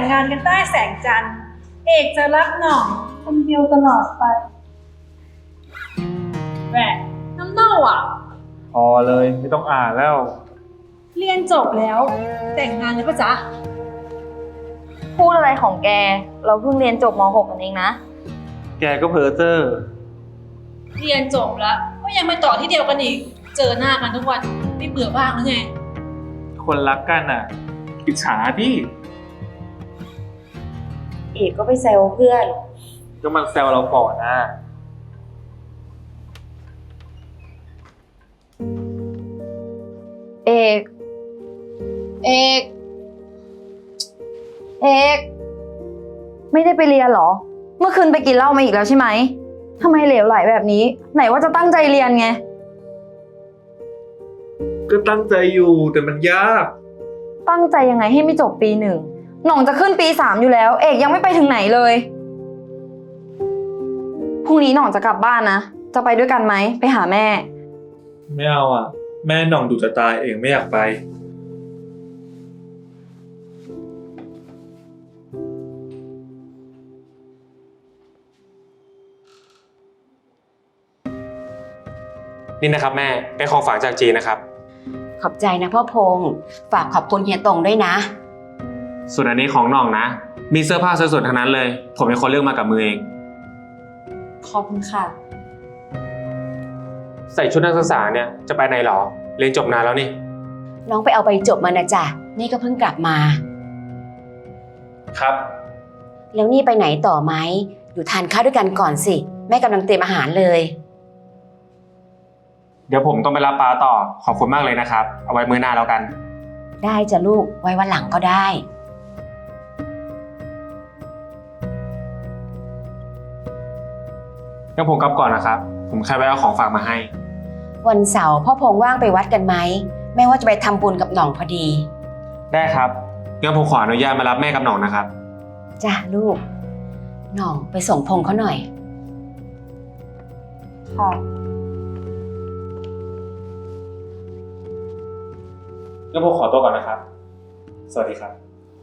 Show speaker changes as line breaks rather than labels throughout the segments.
งงานกันใต้แสงจันทร์เอกจะรักหน่องคนเดียวตลอดไปแหวะน้ำเน่าอ่ะ
พอเลยไม่ต้องอ่านแล้ว
เรียนจบแล้วแต่งงานเลยปะจ๊ะ
พูดอะไรของแก เราเพิ่งเรียนจบม .6 กันเองนะ
แกก็เพ้อเจ้อ
เรียนจบแล้วก็ยังไปต่อที่เดียวกันอีกเจอหน้ากันทุกวันไม่เบื่อบ้างหรือไง
คนรักกันอ่ะอิจฉาพี่
เอกก็ไปแซวเพื่อน
ก็มันแซวเราก่อนนะ
เอกเอกไม่ได้ไปเรียนเหรอ เมื่อคืนไปกินเหล้ามาอีกแล้วใช่ไหมทำไมเหลวไหลแบบนี้ ไหนว่าจะตั้งใจเรียนไง
ก็ตั้งใจอยู่แต่มันยาก
ตั้งใจยังไงให้ไม่จบปี 1หน่องจะขึ้นปี 3อยู่แล้ว เอกยังไม่ไปถึงไหนเลยพรุ่งนี้หน่องจะกลับบ้านนะจะไปด้วยกันไหมไปหาแม่
ไม่เอาอ่ะแม่หน่องดูจะตายเองไม่อยากไป
นี่นะครับแม่เป็นของฝากจากจีนนะครับ
ขอบใจนะพ่อพงษ์ฝากขอบคุณเฮียตงด้วยนะ
ส่วนอันนี้ของน้องนะมีเสื้อผ้าสวยๆทั้งนั้นเลยผมเป็นคนเลือกมากับมือเอง
ขอบคุณค่ะ
ใส่ชุดนักศึกษาเนี่ยจะไปไหนหรอเรียนจบนานแล้วนี่
น้องไปเอาใบจบมานะจ๊ะนี่ก็เพิ่งกลับมา
ครับ
แล้วนี่ไปไหนต่อไหมอยู่ทานข้าวด้วยกันก่อนสิแม่กำลังเตรียมอาหารเลย
เดี๋ยวผมต้องไปรับปลาต่อขอบคุณมากเลยนะครับเอาไว้มื้อหน้าแล้วกัน
ได้จ้ะลูกไว้วันหลังก็ได้
งั้นผมกลับก่อนนะครับผมแค่ไปเอาของฝากมาให้
วันเสาร์พ่อพงษ์ว่างไปวัดกันไหมแม่ว่าจะไปทำบุญกับหน่องพอดี
ได้ครับงั้นผมขออนุญาตมารับแม่กับหน่องนะครับ
จ้ะลูกหน่องไปส่งพงษ์เขาหน่อย
ค่ะ
งั้นผมขอตัวก่อนนะครับสวัสดีครับ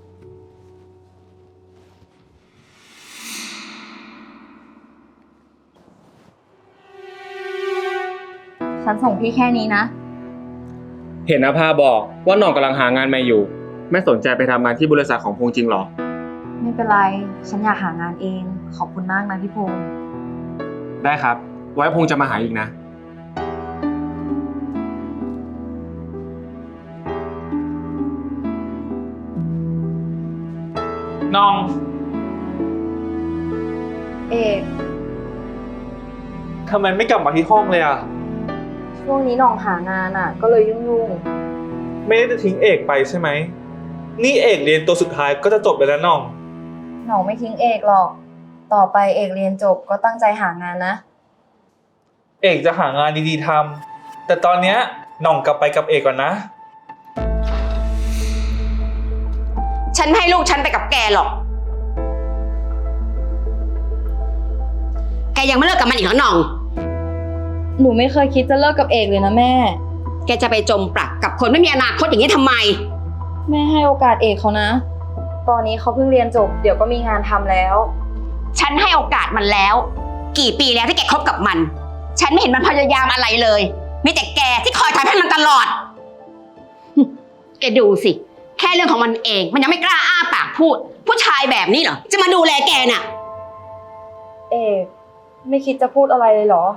ฉันส่งพี่แค่นี้นะ
เห็นอาภาบอกว่าหน่องกำลังหางานใหม่อยู่ไม่สนใจไปทำงานที่บริษัทของพงษ์จริงหรอ
ไม่เป็นไรฉันอยากหางานเองขอบคุณมากนะพี่พงษ์
ได้ครับไว้พงษ์จะมาหาอีกนะน้อง
เอก
ทำไมไม่กลับมาที่ห้องเลยอ่ะ
ช่วงนี้หน่องหางานอ่ะก็เลยยุ่ง
ไม่ได้จะทิ้งเอกไปใช่ไหมนี่เอกเรียนตัวสุดท้ายก็จะจบไปแล้วน้อง
หน่องไม่ทิ้งเอกหรอกต่อไปเอกเรียนจบก็ตั้งใจหางานนะ
เอกจะหางานดีๆทำแต่ตอนเนี้ยน้องกลับไปกับเอกก่อนนะ
ฉันไม่ให้ลูกฉันไปกับแกหรอกแกยังไม่เลิกกับมันอีกเหรอหน่อง
หนูไม่เคยคิดจะเลิกกับเอกเลยนะแม่
แกจะไปจมปลักกับคนไม่มีอนาคตอย่างนี้ทำไม
แม่ให้โอกาสเอกเขานะตอนนี้เขาเพิ่งเรียนจบเดี๋ยวก็มีงานทำแล้ว
ฉันให้โอกาสมันแล้วกี่ปีแล้วที่แกคบกับมันฉันไม่เห็นมันพยายามอะไรเลยมีแต่แกที่คอยทำให้มันตลอดแกดูสิแค่เรื่องของมันเองมันยังไม่กล้าอ้าปากพูดผู้ชายแบบนี้เหรอจะมาดูแลแกน่ะ
เอกไม่คิดจะพูดอะไรเลยเหรอ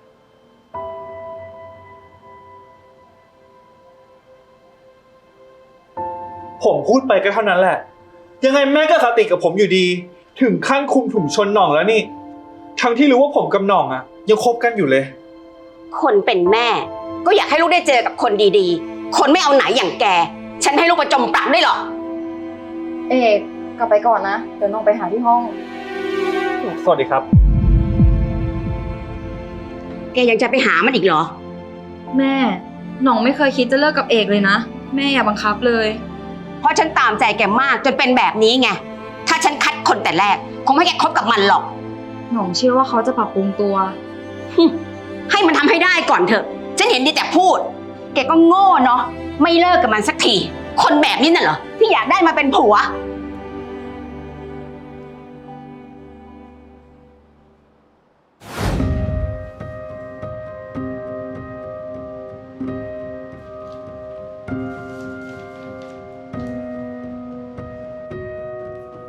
ผมพูดไปก็เท่านั้นแหละยังไงแม่ก็คติกับผมอยู่ดีถึงขั้นคุมถุงชนหน่องแล้วนี่ทั้งที่รู้ว่าผมกับหน่องอะยังคบกันอยู่เลย
คนเป็นแม่ก็อยากให้ลูกได้เจอกับคนดีๆคนไม่เอาไหนอย่างแกฉันให้ลูกไปจมปลักได้หรอ
เอกกลับไปก่อนนะเดี๋ยวน้องไปหาที่ห้อง
สวัสดีครับ
แกยังจะไปหามันอีกเหรอ
แม่หน่องไม่เคยคิดจะเลิกกับเอกเลยนะแม่อย่าบังคับเลย
เพราะฉันตามใจแกมากจนเป็นแบบนี้ไงถ้าฉันคัดคนแต่แรกคงไม่แกคบกับมันหรอก
หน่องเชื่อว่าเขาจะปรับปรุงตัว
ให้มันทำให้ได้ก่อนเถอะฉันเห็นดีแต่พูดแกก็โง่เนาะไม่เลิกกับมันสักทีคนแบบนี้น่ะเหรอที่อยากได้มาเป็นผัว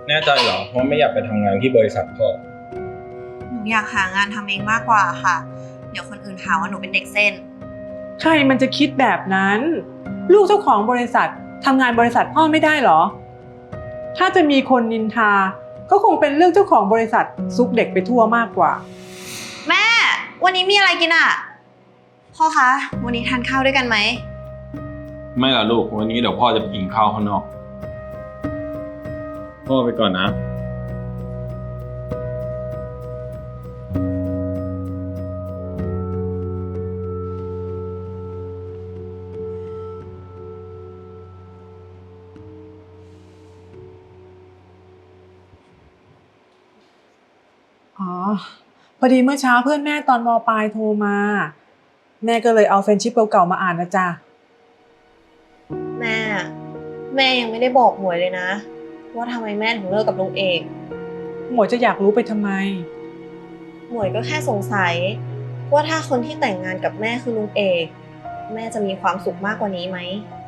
แน่ใจเหรอว่าไม่อยากไปทำงานที่บริษัทพ่อ
หนูอยากหางานทำเองมากกว่าค่ะ เดี๋ยวคนอื่นหาว่าหนูเป็นเด็กเส้น
ใครมันจะคิดแบบนั้น ลูกเจ้าของบริษัททำงานบริษัทพ่อไม่ได้เหรอ ถ้าจะมีคนนินทา ก็คงเป็นเรื่องเจ้าของบริษัทซุกเด็กไปทั่วมากกว่า
แม่ วันนี้มีอะไรกินอ่ะ พ่อคะ วันนี้ทานข้าวด้วยกันไหม
ไม่ล่ะลูก วันนี้เดี๋ยวพ่อจะไปกินข้าวข้างนอก พ่อไปก่อนนะ
อ๋อ พอดีเมื่อเช้าเพื่อนแม่ตอนม.ปลายโทรมา แม่ก็เลยเอาเฟรนด์ชิปเก่าๆมาอ่านนะจ๊ะ
แม่ยังไม่ได้บอกหมวยเลยนะ ว่าทำไมแม่ถึงเลิกกับลุงเอก
หมวยจะอยากรู้ไปทำไม
หมวยก็แค่สงสัย ว่าถ้าคนที่แต่งงานกับแม่คือลุงเอก แม่จะมีความสุขมากกว่านี้ไหม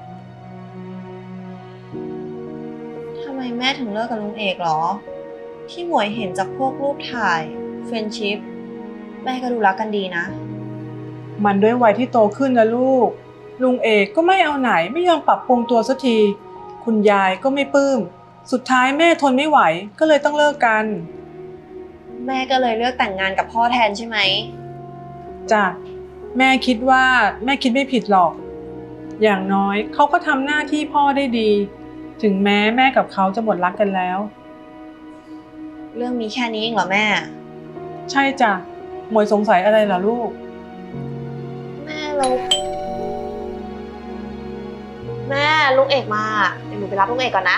ทำไมแม่ถึงเลิกกับลุงเอกหรอ ที่หมวยเห็นจากพวกรูปถ่ายเฟรนด์ชิพแม่ก็ดูรักกันดีนะ
มันด้วยวัยที่โตขึ้นนะลูก ลุงเอกก็ไม่เอาไหนไม่ยอมปรับปรุงตัวสักที คุณยายก็ไม่ปลื้ม สุดท้ายแม่ทนไม่ไหวก็เลยต้องเลิกกัน
แม่ก็เลยเลือกแต่งงานกับพ่อแทนใช่ไหม
จ้ะแม่คิดว่าแม่คิดไม่ผิดหรอก อย่างน้อยเขาก็ทำหน้าที่พ่อได้ดี ถึงแม้แม่กับเขาจะหมดรักกันแล้ว
เรื่องมีแค่นี้เองเหรอแม่
ใช่จ้ะหมวยสงสัยอะไรล่ะลูก
แม่ลุงเอกมาเดี๋ยวหนูไปรับลุงเอกก่อนนะ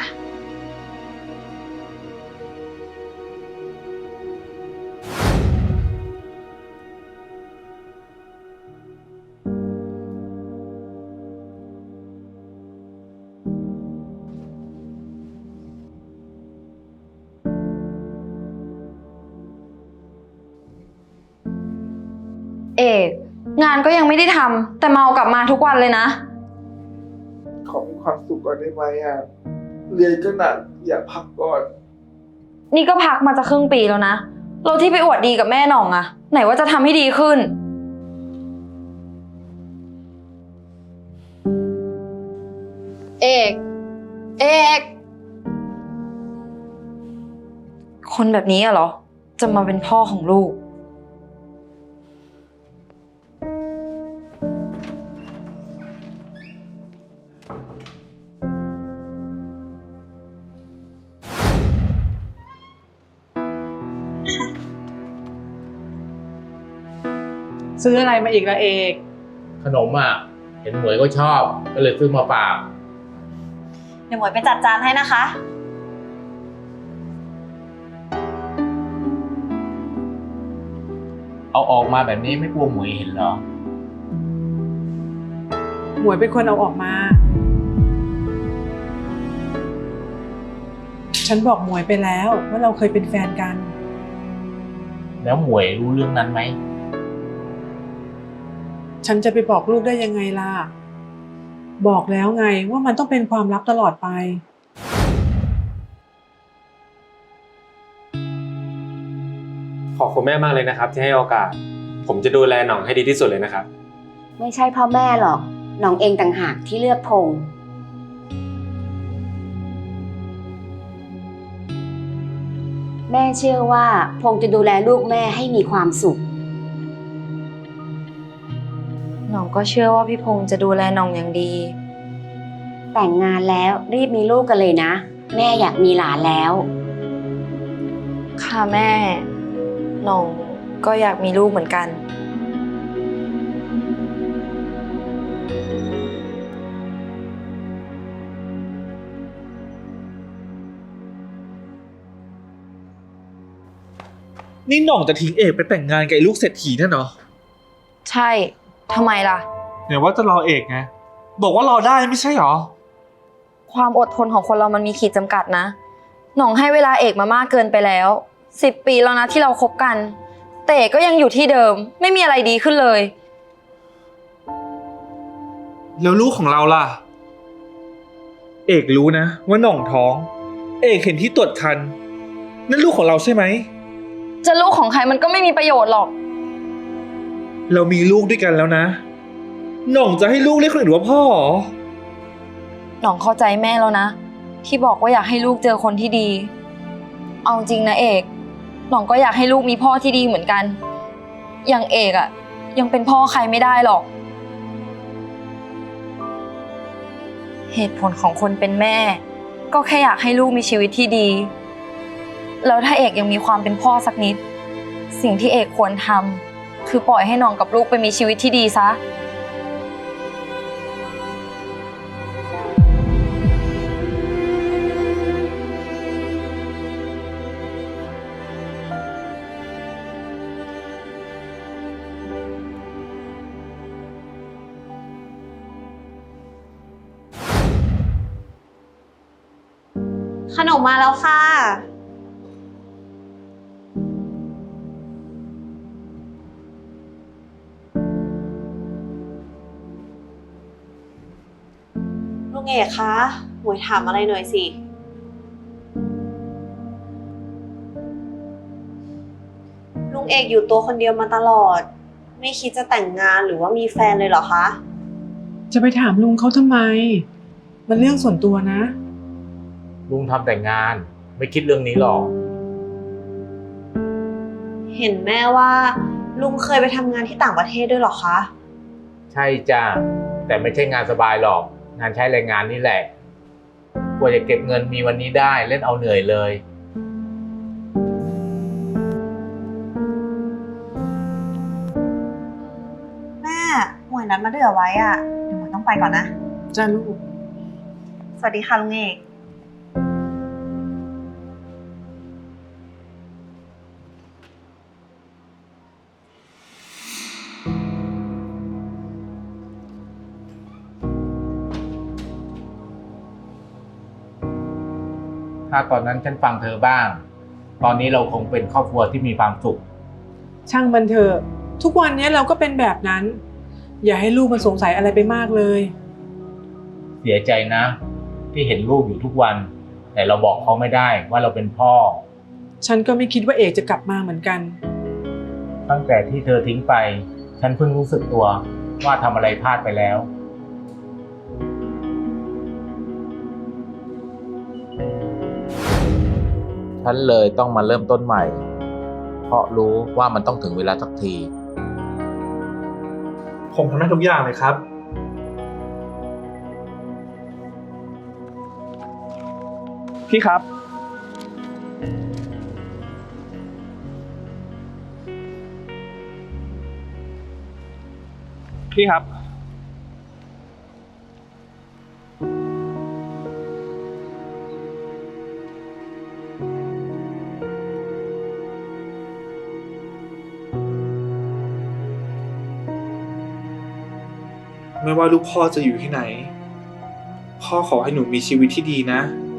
เอกงานก็ยังไม่ได้ทำแต่เมากลับมาทุกวันเลยนะ
ขอมีความสุขก่อนได้ไหมอ่ะ เรียนก็หนักอยากพักก่อน
นี่ก็พักมาจะครึ่งปีแล้วนะเราที่ไปอวดดีกับแม่หน่องอะไหนว่าจะทำให้ดีขึ้น เอกคนแบบนี้อะเหรอจะมาเป็นพ่อของลูก
ซื้ออะไรมาอีกละเอก
ขนมอ่ะ เห็นหมวยก็ชอบ ก็เลยซื้อมาฝาก
เดี๋ยวหมวยไปจัดจานให้นะคะ
เอาออกมาแบบนี้ไม่กลัวหมวยเห็นเหรอ
หมวยเป็นคนเอาออกมา ฉันบอกหมวยไปแล้วว่าเราเคยเป็นแฟนกัน
แล้วหมวยรู้เรื่องนั้นไหม
ฉันจะไปบอกลูกได้ยังไงล่ะ บอกแล้วไงว่ามันต้องเป็นความลับตลอดไป
ขอบคุณแม่มากเลยนะครับ ที่ให้โอกาส ผมจะดูแลหน่องให้ดีที่สุดเลยนะครับ
ไม่ใช่พ่อแม่หรอก น้องเองต่างหากที่เลือกพงษ์แม่เชื่อว่าพงษ์จะดูแลลูกแม่ให้มีความสุข
หน่องก็เชื่อว่าพี่พงษ์จะดูแลหน่องอย่างดี
แต่งงานแล้วรีบมีลูกกันเลยนะ แม่อยากมีหลานแล้ว
ค่ะแม่ หน่องก็อยากมีลูกเหมือนกัน
นี่หน่องจะทิ้งเอกไปแต่งงานกับไอ้ลูกเศรษฐีนั่นเหรอ
ใช่ทำไมล่ะ
เนี่ยว่าจะรอเอกไง บอกว่ารอได้ไม่ใช่เหรอ
ความอดทนของคนเรามันมีขีดจำกัดนะ หน่องให้เวลาเอกมามากเกินไปแล้ว 10 ปีแล้วนะที่เราคบกัน แต่เอกก็ยังอยู่ที่เดิม ไม่มีอะไรดีขึ้นเลย
แล้วลูกของเราล่ะ เอกรู้นะว่าหน่องท้องเอกเห็นที่ตรวจคันนั่นลูกของเราใช่ไหม
จะลูกของใครมันก็ไม่มีประโยชน์หรอก
เรามีลูกด้วยกันแล้วนะหน่องจะให้ลูกเรียกคนอื่นว่าพ่อเหรอ
หน่องเข้าใจแม่แล้วนะ ที่บอกว่าอยากให้ลูกเจอคนที่ดี เอาจริงนะเอกหน่องก็อยากให้ลูกมีพ่อที่ดีเหมือนกัน อย่างเอกอะยังเป็นพ่อใครไม่ได้หรอก เหตุผลของคนเป็นแม่ ก็แค่อยากให้ลูกมีชีวิตที่ดี แล้วถ้าเอกยังมีความเป็นพ่อสักนิด สิ่งที่เอกควรทำคือปล่อยให้หน่องกับลูกไปมีชีวิตที่ดีซะ
ขนมมาแล้วค่ะ ลุงเอกคะหมวยถามอะไรหน่อยสิ ลุงเอกอยู่ตัวคนเดียวมาตลอด ไม่คิดจะแต่งงานหรือว่ามีแฟนเลยเหรอคะ
จะไปถามลุงเขาทำไม มันเรื่องส่วนตัวนะ
ลุงทำแต่งานไม่คิดเรื่องนี้หรอก
เห็นแม่ว่าลุงเคยไปทำงานที่ต่างประเทศด้วยเหรอคะ
ใช่จ้าแต่ไม่ใช่งานสบายหรอก งานใช้แรงงานนี่แหละกว่าจะเก็บเงินมีวันนี้ได้เล่นเอาเหนื่อยเลย
แม่หมวยนัดมาเดือไว้อะเดี๋ยวหมวยต้องไปก่อนนะ
จ้าลูก
สวัสดีค่ะลุงเอก
ถ้าตอนนั้นฉันฟังเธอบ้าง ตอนนี้เราคงเป็นครอบครัวที่มีความสุข
ช่างมันเถอะทุกวันนี้เราก็เป็นแบบนั้น อย่าให้ลูกมันสงสัยอะไรไปมากเลย
เสียใจนะ ที่เห็นลูกอยู่ทุกวัน แต่เราบอกเขาไม่ได้ว่าเราเป็นพ่อ
ฉันก็ไม่คิดว่าเอกจะกลับมาเหมือนกัน
ตั้งแต่ที่เธอทิ้งไป ฉันเพิ่งรู้สึกตัวว่าทำอะไรพลาดไปแล้ว ฉันเลยต้องมาเริ่มต้นใหม่ เพราะรู้ว่ามันต้องถึงเวลาสักที
ผมทำได้ทุกอย่างเลยครับ พี่ครับ พี่ครับ ไม่ว่าลูกพ่อจะอยู่ที่ไหน พ่อขอให้หนูมีชีวิตที่ดีนะ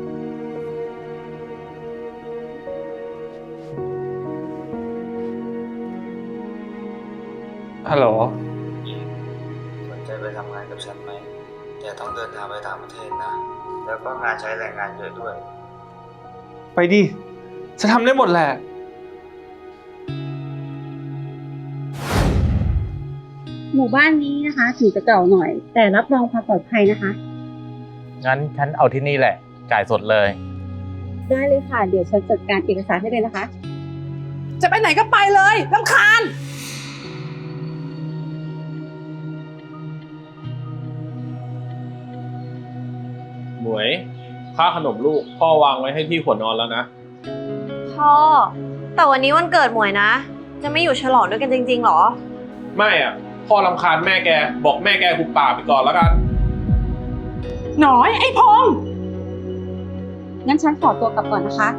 ฮัลโหล
สนใจไปทำงานกับฉันไหมแต่ต้องเดินทางไปต่างประเทศนะ แล้วก็งานใช้แรงงานเยอะด้วย
ไปดิ จะทำได้หมดแหละ
หมู่บ้านนี้นะคะถึงจะเก่าหน่อย แต่รับรองความปลอดภัยนะคะ
งั้นฉันเอาที่นี่แหละ จ่ายสดเลย
ได้เลยค่ะ เดี๋ยวฉันจัดการเอกสารให้เลยนะคะ
จะไปไหนก็ไปเลยรำคาญ
หมวยค่าขนมลูกพ่อวางไว้ให้ที่หัวนอนแล้วนะ
พ่อ แต่วันนี้วันเกิดหมวยนะ จะไม่อยู่ฉลองด้วยกันจริงๆหรอ
ไม่อ่ะ พ่อรำคาญแม่แก บอกแม่แกหุบปากไปก่อนแล้วกัน
หน่อยไอ้พงษ์
งั้นฉันขอตัวกลับก่อนนะคะ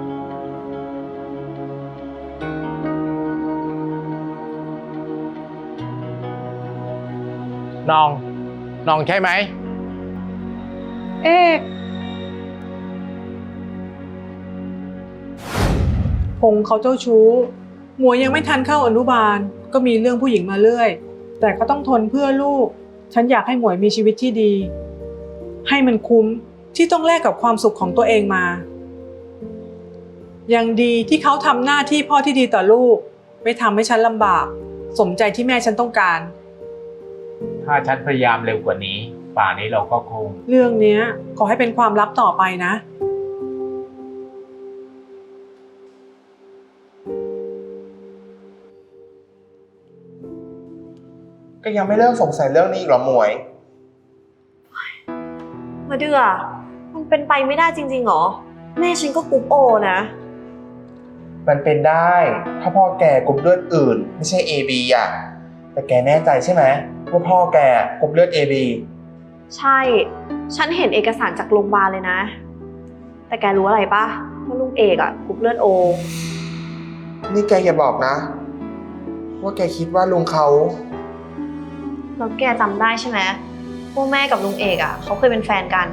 น้องใช่ไหม
เอกพงษ์เขาเจ้าชู้หมวยยังไม่ทันเข้าอนุบาล ก็มีเรื่องผู้หญิงมาเรื่อย แต่ก็ต้องทนเพื่อลูก ฉันอยากให้หมวยมีชีวิตที่ดี ให้มันคุ้มที่ต้องแลกกับความสุขของตัวเองมายังดีที่เขาทำหน้าที่พ่อที่ดีต่อลูก ไม่ทำให้ฉันลำบาก สมใจที่แม่ฉันต้องการ
ถ้าฉันพยายามเร็วกว่านี้ ป่านนี้เราก็คง
เรื่องเนี้ยขอให้เป็นความลับต่อไปนะ
ก็ยังไม่เลิกสงสัยเรื่องนี้อีกเหรอหมวย
มาเดือมันเป็นไปไม่ได้จริงๆหรอ แม่ฉันก็กรุ๊ปโอนะ
มันเป็นได้ ถ้าพ่อแกกรุ๊ปเลือดอื่น ไม่ใช่ AB อ่ะ แต่แกแน่ใจใช่ไหมว่าพ่อแกกรุ๊ปเลือด AB
ใช่ ฉันเห็นเอกสารจากโรงพยาบาลเลยนะ แต่แกรู้อะไรปะว่าลุงเอกอะกรุ๊ปเลือดโอ
นี่แกอย่าบอกนะ ว่าแกคิดว่าลุงเขา
แล้วแกจำได้ใช่ไหมว่าแม่กับลุงเอกอะเขาเคยเป็นแฟนกัน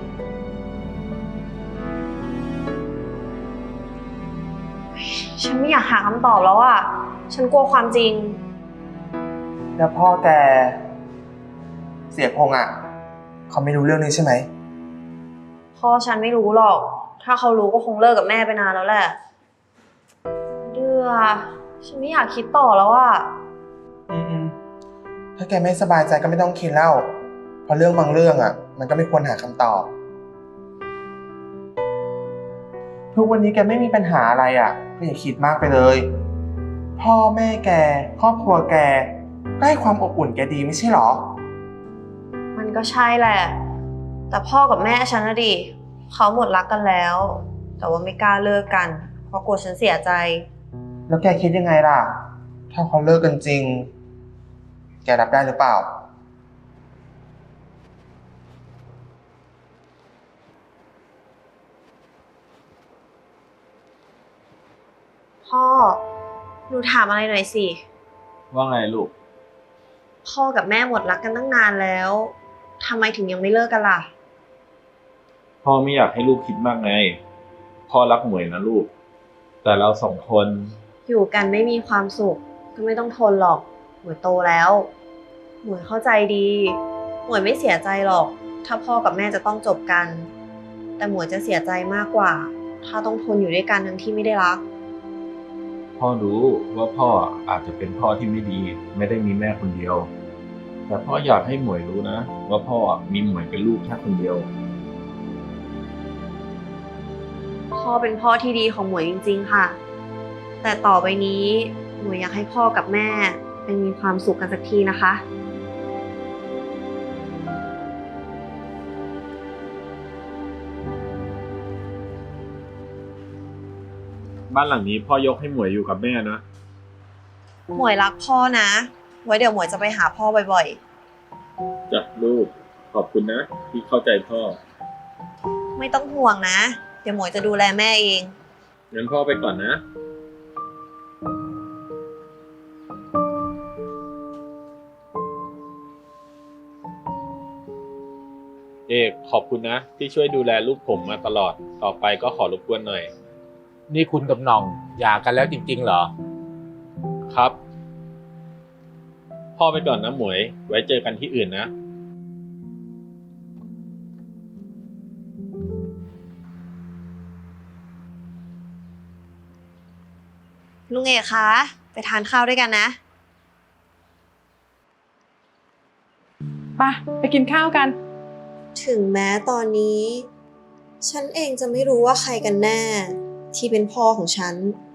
ฉันไม่อยากหาคำตอบแล้วอะฉันกลัวความจริง
แล้วพ่อแกเสียพงษ์อ่ะเขาไม่รู้เรื่องนี้ใช่ไหม
พ่อฉันไม่รู้หรอก ถ้าเขารู้ก็คงเลิกกับแม่ไปนานแล้วแหละ เดือฉันไม่อยากคิดต่อแล้วอะ
ถ้าแกไม่สบายใจก็ไม่ต้องคิดแล้วเพราะเรื่องบางเรื่องอ่ะ มันก็ไม่ควรหาคำตอบทุกวันนี้แกไม่มีปัญหาอะไรอ่ะก็อย่าคิดมากไปเลยพ่อแม่แกครอบครัวแกก็ให้ความอบอุ่นแกดีไม่ใช่หรอ
มันก็ใช่แหละ แต่พ่อกับแม่ฉันนะดิเขาหมดรักกันแล้ว แต่ว่าไม่กล้าเลิกกัน เพราะกลัวฉันเสียใจ
แล้วแกคิดยังไงล่ะถ้าเขาเลิกกันจริงแกรับได้หรือเปล่า
พ่อ หนูถามอะไรหน่อยสิ
ว่าไงลูก
พ่อกับแม่หมดรักกันตั้งนานแล้วทำไมถึงยังไม่เลิกกันล่ะ
พ่อไม่อยากให้ลูกคิดมากไง พ่อรักหมวยนะลูก แต่เราสองคน
อยู่กันไม่มีความสุขก็ไม่ต้องทนหรอกหมวยโตแล้ว หมวยเข้าใจดี หมวยไม่เสียใจหรอก ถ้าพ่อกับแม่จะต้องจบกัน แต่หมวยจะเสียใจมากกว่า ถ้าต้องทนอยู่ด้วยกันทั้งที่ไม่ได้รัก
พ่อรู้ว่าพ่ออาจจะเป็นพ่อที่ไม่ดี ไม่ได้มีแม่คนเดียว แต่พ่ออยากให้หมวยรู้นะว่าพ่อมีหมวยเป็นลูกแค่คนเดียว
พ่อเป็นพ่อที่ดีของหมวยจริงๆค่ะ แต่ต่อไปนี้หมวยอยากให้พ่อกับแม่ไปมีความสุขกันสักทีนะคะ
บ้านหลังนี้พ่อยกให้หมวยอยู่กับแม่นะ
หมวยรักพ่อนะ ไว้เดี๋ยวหมวยจะไปหาพ่อบ่อย
จ้ะลูก ขอบคุณนะ ที่เข้าใจพ่อ
ๆ ไม่ต้องห่วงนะ เดี๋ยวหมวยจะดูแลแม่เอง
งั้นพ่อไปก่อนนะ เอกขอบคุณนะ ที่ช่วยดูแลลูกผมมาตลอด ต่อไปก็ขอรบกวนหน่อย
นี่คุณกับหน่องหย่ากันแล้วจริงๆเหรอ
ครับ พ่อไปก่อนนะหมวย ไว้เจอกันที่อื่นนะ
ลุงเอกคะ ไปทานข้าวด้วยกันนะ
ไปกินข้าวกัน
ถึงแม้ตอนนี้ ฉันเองจะไม่รู้ว่าใครกันแน่ ที่เป็นพ่อของฉัน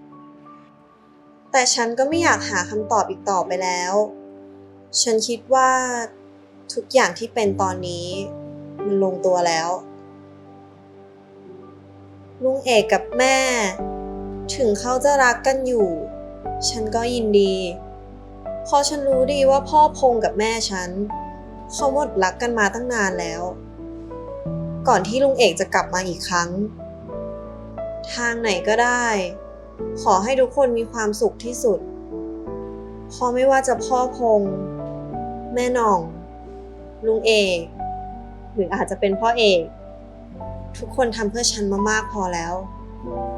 แต่ฉันก็ไม่อยากหาคำตอบอีกต่อไปแล้ว ฉันคิดว่าทุกอย่างที่เป็นตอนนี้มันลงตัวแล้ว ลุงเอกกับแม่ ถึงเขาจะรักกันอยู่ ฉันก็ยินดี เพราะฉันรู้ดีว่าพ่อพงกับแม่ฉันเขาหมดรักกันมาตั้งนานแล้ว ก่อนที่ลุงเอกจะกลับมาอีกครั้ง ทางไหนก็ได้ ขอให้ทุกคนมีความสุขที่สุดเพราะไม่ว่าจะพ่อพงแม่หน่อง ลุงเอกหรืออาจจะเป็นพ่อเอก ทุกคนทำเพื่อฉันมามากพอแล้ว